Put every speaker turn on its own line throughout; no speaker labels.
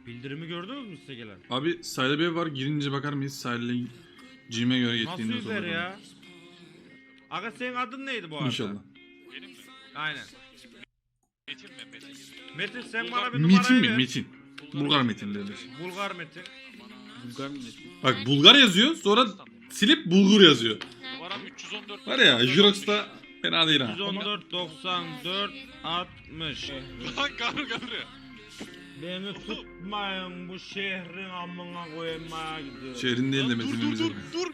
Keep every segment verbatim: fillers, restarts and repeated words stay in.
Bildirimi gördünüz mü size gelen?
Abi sahilde bir ev var, girince bakar mıyız? Sahilde G'ime göre
Nasıl
gittiğinde
yüzer ya? Aga senin adın neydi bu arada?
İnşallah.
Benim mi?
Aynen.
Metin mi? Metin.
Metin sen
Bulgar-
bana bir numarayı
Metin mi?
ver.
Metin. Bulgar Metin derler.
Bulgar Metin.
Bulgar milleti.
Bak Bulgar yazıyor, sonra silip Bulgur yazıyor.
Numaram üç yüz on dört.
Var ya, Jirox'ta fena değil ha.
yüz on dört doksan dört altmış.
Lan karı karı.
Beni tutmayın bu şehrin amına koymaya gidiyor.
Şehrin değil de
Lan dur
Metin'in
dur dur
bize.
dur.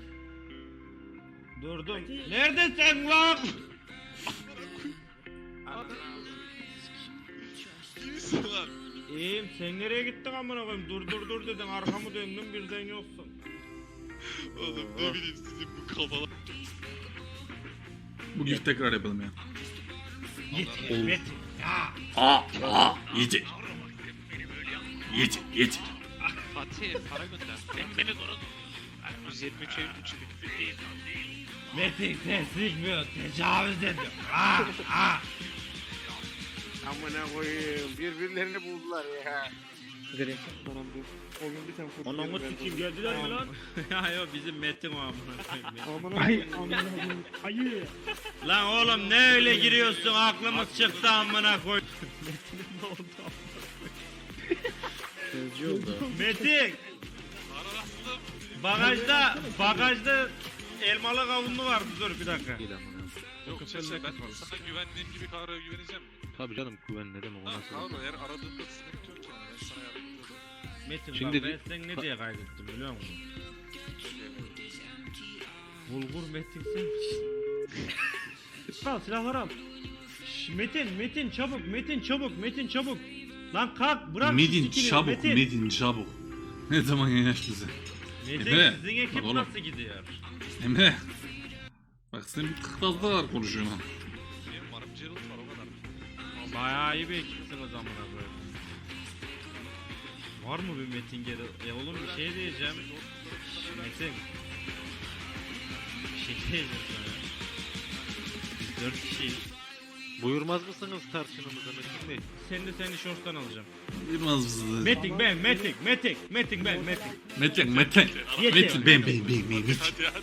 Durdum. Neredesin lan?
İyisin lan.
İyiyim sen nereye gittin amına koyayım? Dur dur dur dedim arkamı döndüm birden yoksun.
Oğlum ne bileyim sizin bu kafalar.
Bu gift tekrar yapalım ya.
Git
Olur.
Metin. Ya.
Aa, aa, yeter. Yeter, yeter.
Fatih para gönder. Ben beni korudum. yüz yirmi üç Eylül için.
Metin teslikmiyor tecavüz ediyor. Aa, aa.
Amına koyayım birbirlerini buldular ya.
Direkt bana bu. O gün bir tane fotoğraf
Anamı
verdi.
sikeyim geldiler mi lan? ya yok bizim Metin o amına koyayım ya.
Aman ay aman ayı.
Lan oğlum ne öyle giriyorsun aklımız çıktı amına koy. Metin'in ne oldu
Sözcü oldu.
Metin
Ararastım.
bagajda bagajda elmalı kavunlu vardı dur bir dakika.
Değil amına.
Yok Çeçe ben sana güvendiğim gibi karaya güveneceğim mi?
Tabii canım güven ne demek o
Ha
nasıl?
kavga eğer aradığında sıkıntı yok yani ben sana yardımcı olurum.
Metin
Şimdi-
bak ben seni ne diye kaydettim biliyor musun? Bulgur Metin sen misin? al silahları al. Şş, Metin Metin çabuk Metin çabuk Metin çabuk. Lan kalk bırak şu
Medin
sikini,
çabuk,
Metin.
Medin çabuk. Ne zaman yanaş bize?
Metin
Emre,
sizin ekip
bak oğlum.
nasıl gidiyor?
Emre. Bak sen bir kırkazda var konuşuyorsun ha.
Benim varım Gerald var o kadar.
Bayağı iyi bir ekipsiniz amına koyayım. Var mı bir Metin geri? E oğlum bir şey diyeceğim. Şş, Metin. Bir şey diyeceğim sana. Biz dört kişiyiz.
Buyurmaz mısınız tartışmamıza Metin Bey?
Seni de seni şorttan alacağım.
Bilmez bizi.
Metin ben, Metin, Metin, Metin ben, Metin.
Metin, Metin.
Yeter.
Metin, ben, ben, ben, ben, Metin.
Hadi hadi.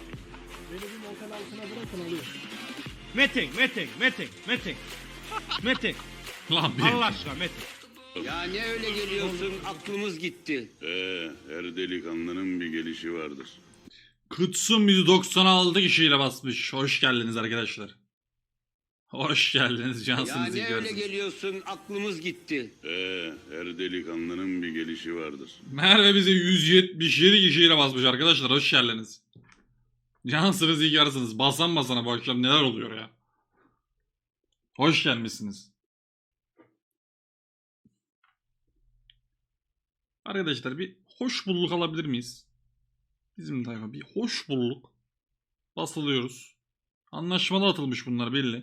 Metin, Metin, Metin, Metin. Metin.
Lan ben.
Allah aşkına Metin.
Ya ne öyle geliyorsun? Aklımız gitti.
Ee, her delikanlının bir gelişi vardır.
Kutsun bizi doksan altı kişiyle basmış. Hoş geldiniz arkadaşlar. Hoş geldiniz.
Ya
Cansınız
ne
iyi
öyle
görsün.
geliyorsun? Aklımız gitti.
Ee, her delikanlının bir gelişi vardır.
Merve bizi yüz yetmiş yedi kişiyle basmış arkadaşlar. Hoş geldiniz. Cansınız iyi görsünüz. Basan basana bu akşam neler oluyor ya. Hoş gelmişsiniz. Arkadaşlar bir hoş bulduk alabilir miyiz? Bizim tayfa bir hoş bulduk. Basılıyoruz. Anlaşmalı atılmış bunlar belli.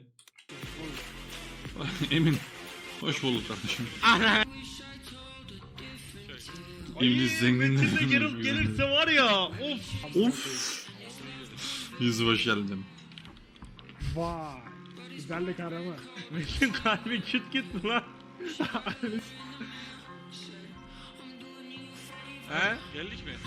Emin. Hoş bulduk kardeşim. İblis zenginler.
Metin de gelip gelirse var ya. Of.
Of. Yüzü hoş geldin.
Vay. Güzellik arama.
Metin kalbi küt küt lan. He?
Geldik mi?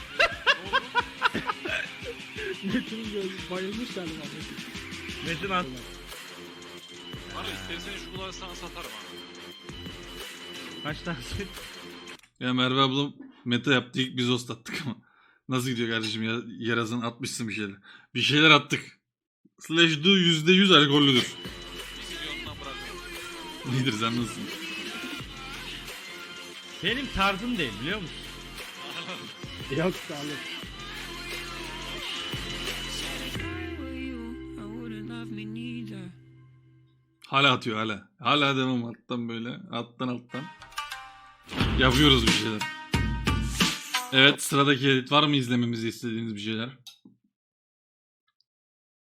Metin göz bayılmış galiba.
Metin at.
Abi istersen şu kulağı sana satarım abi.
Kaç tane?
Ya Merve ablam meta yaptı ilk biz host attık ama. Nasıl gidiyor kardeşim ya? Yarazın atmışsın bir şeyler. Bir şeyler attık. Slash do yüzde yüz alkollüdür.
Bir milyondan bırakıyorum.
Nedir sen nasılsın?
Benim tarzım değil biliyor musun?
Yok sağlık.
Hala atıyor hala. Hala devam alttan böyle. Alttan alttan. Yapıyoruz bir şeyler. Evet sıradaki edit var mı izlememizi istediğiniz bir şeyler?